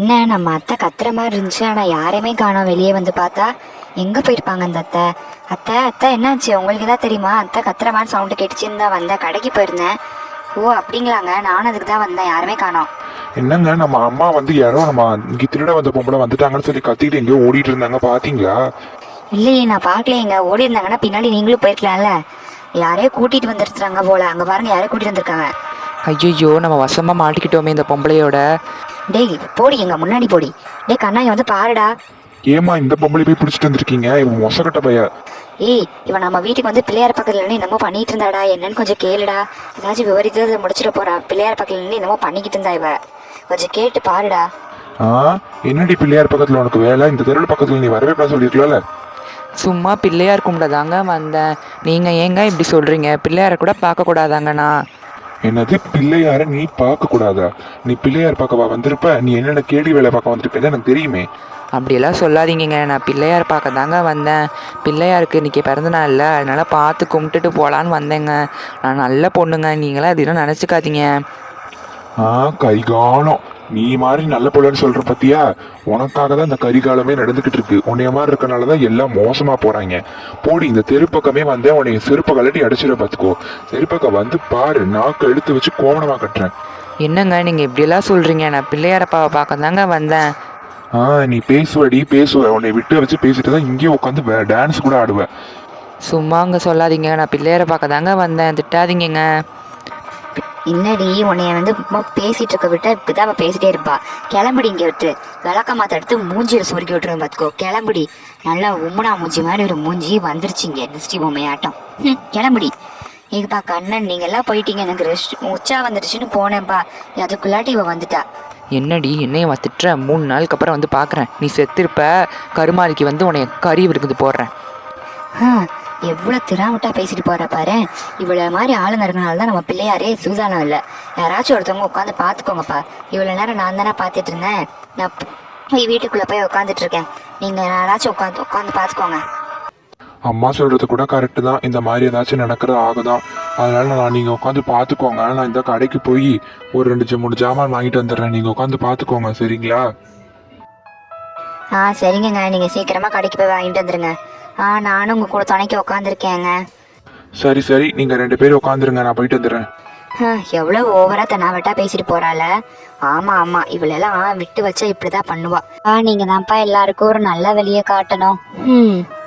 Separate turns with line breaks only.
என்ன நம்ம அத்தை கத்துற மாதிரி இருந்துச்சு, ஆனால் யாரையுமே காணோம். வெளியே வந்து பார்த்தா எங்கே போயிருப்பாங்க அந்த அத்தை? அத்தை அத்தை என்னாச்சு உங்களுக்கு தான் தெரியுமா? அத்தை கத்துற மாதிரி சவுண்டு கேட்டுச்சுன்னு தான் வந்தேன், கடைக்கு போயிருந்தேன். ஓ அப்படிங்களாங்க, நானும் அதுக்கு தான் வந்தேன், யாருமே காணோம்.
என்னங்க நம்ம அம்மா வந்து யாரோ நம்ம இங்க திருட வந்த பொம்பளை வந்துட்டாங்கன்னு சொல்லி கத்திட்டு எங்கேயோ ஓடிட்டு இருந்தாங்க, பாத்தீங்களா?
இல்லையே, நான் பார்க்கலையேங்க. ஓடி இருந்தாங்கன்னா பின்னாடி நீங்களும் போயிருக்கலாம்ல. யாரையோ கூட்டிட்டு வந்துருக்குறாங்க போல, அங்கே பாருங்க யாரையோ கூட்டிட்டு வந்திருக்காங்க.
ஐயோ, நம்ம வசமா மாட்டிக்கிட்டோமே இந்த பொம்பளையோட.
டேய் போடி, எங்க முன்னாடி போடி. டேய் கண்ணா, இவன் வந்து பாருடா.
ஏமா இந்த பொம்பளை போய் பிடிச்சிட்டு வந்திருக்கீங்க? இவன் மொசக்கட்ட பைய.
ஏய், இவன் நம்ம வீட்டுக்கு வந்து பிள்ளையார் பக்கத்துல நின்று என்னமோ பண்ணிட்டு இருந்தாடா, என்னன்னு கொஞ்சம் கேளுடா. ஏதாச்சும் விவரித்து முடிச்சிட போறா. பிள்ளையார் பக்கத்துல நின்று என்னமோ பண்ணிக்கிட்டு இருந்தா இவ, கொஞ்சம் கேட்டு பாருடா.
என்னடி பிள்ளையார் பக்கத்துல உனக்கு வேலை? இந்த தெருவில் பக்கத்துல நீ வரவே கூடாது சொல்லிருக்கலாம்ல.
சும்மா பிள்ளையார் கும்பிடதாங்க வந்தேன். நீங்க ஏங்க இப்படி சொல்றீங்க? பிள்ளையார கூட பார்க்க கூடாதாங்கண்ணா?
என்னது பிள்ளையார நீ பார்க்க கூடாதா? நீ பிள்ளையார் பார்க்கவா வந்திருப்ப? நீ என்னென்ன கேடி வேலை பார்க்க வந்திருப்பேன்னு எனக்கு தெரியுமே.
அப்படியெல்லாம் சொல்லாதீங்க, நான் பிள்ளையார் பார்க்க தாங்க வந்தேன். பிள்ளையாருக்கு இன்றைக்கி பிறந்த நாள் இல்லை, அதனால் பார்த்து கும்பிட்டுட்டு போகலான்னு வந்தேங்க. நான் நல்ல பொண்ணுங்க, நீங்களாம் அதெல்லாம் நினச்சிக்காதீங்க.
கரிகாலம், நீ மாதிரி நல்ல பொண்ணுன்னு சொல்ற பத்தியா? உனக்காக தான் இந்த கரிகாலமே நடந்துகிட்டு இருக்கு. உன்னைய மாதிரி இருக்கனாலதான் எல்லாம் மோசமா போறாங்க. போடி, இந்த தெருப்பக்கமே வந்தேன் உன்னைய செருப்ப கலட்டி அடிச்சிட பாத்துக்கோ. செருப்பக்க வந்து பாரு, நாக்கு எடுத்து வச்சு கோவணமா கட்டுறேன்.
என்னங்க நீங்கள் இப்படியெல்லாம் சொல்கிறீங்க? நான் பிள்ளையாரப்பாவை பார்க்க தாங்க வந்தேன்.
நீ பேசுவடி பேசுவ. உன்னை விட்டு வச்சு பேசிட்டு தான் இங்கேயே உட்காந்து டான்ஸ் கூட ஆடுவேன்.
சும்மா அங்கே சொல்லாதீங்க, நான் பிள்ளையாரை பார்க்க தாங்க வந்தேன், திட்டாதீங்க.
என்னடி உன்னைய வந்து பேசிட்டு இருக்க விட்டா இப்படிதான் அவ பேசிட்டே இருப்பா. கிளம்புடி, இங்க விட்டு விளக்க மாத்த எடுத்து மூஞ்சியில சுருக்கி விட்டுருவேன் பாத்துக்கோ. கிளம்புடி, நல்லா உம்முனா மூஞ்சி மாதிரி ஒரு மூஞ்சி வந்துருச்சிங்க, திருஷ்டி பொம்மையாட்டம். கிளம்புடி. ஏப்பா கண்ணன், நீங்க எல்லாம் போயிட்டீங்க, எனக்கு ரெஸ்ட் உச்சா வந்துடுச்சுன்னு போனேன்ப்பா. அதுக்குள்ளாட்டி இவ வந்துட்டா.
என்னடி என்னைய திட்டுற? 3 நாளுக்கு அப்புறம் வந்து பார்க்குறேன், நீ செத்திருப்ப. கருமாரிக்கு வந்து உன்னைய கறி விருக்குது போடுறேன்.
எவ்வளோ திராமட்டா பேசிட்டு போற பாரு. இவ்வளோ மாதிரி ஆளுங்க இருக்கனால தான் நம்ம பிள்ளையாரே சூதானம் இல்லை. யாராச்சும் ஒருத்தவங்க உட்காந்து பார்த்துக்கோங்கப்பா. இவ்வளோ நேரம் நான் தானே பார்த்துட்டு இருந்தேன், நான் போய் வீட்டுக்குள்ளே போய் உட்காந்துட்டு இருக்கேன். நீங்கள் யாராச்சும் உட்காந்து பார்த்துக்கோங்க.
அம்மா சொல்றது கூட கரெக்டு தான். இந்த மாதிரி ஏதாச்சும் நடக்கிறது ஆகுதான். அதனால நீங்க உட்காந்து பாத்துக்கோங்க. நான் இந்த கடைக்கு போய் ஒரு 2-3 ஜாமான் வாங்கிட்டு வந்துடுறேன். நீங்க உட்காந்து பாத்துக்கோங்க, சரிங்களா?
சரிங்கங்க, நீங்கள் சீக்கிரமாக கடைக்கு போய் வாங்கிட்டு வந்துடுங்க. நானும் உங்கள் கூட துணைக்கு உட்காந்துருக்கேங்க.
சரி சரி, நீங்க 2 பேரும் உட்காந்துருங்க, நான் போயிட்டு வந்துடுறேன்.
எவ்வளோ ஓவரா தன்னாவட்டா பேசிட்டு போறாள. ஆமா இவளெல்லாம் விட்டு வச்சா இப்படிதான் பண்ணுவா. நீங்க தான்ப்பா எல்லாருக்கும் ஒரு நல்ல வழியை காட்டணும்.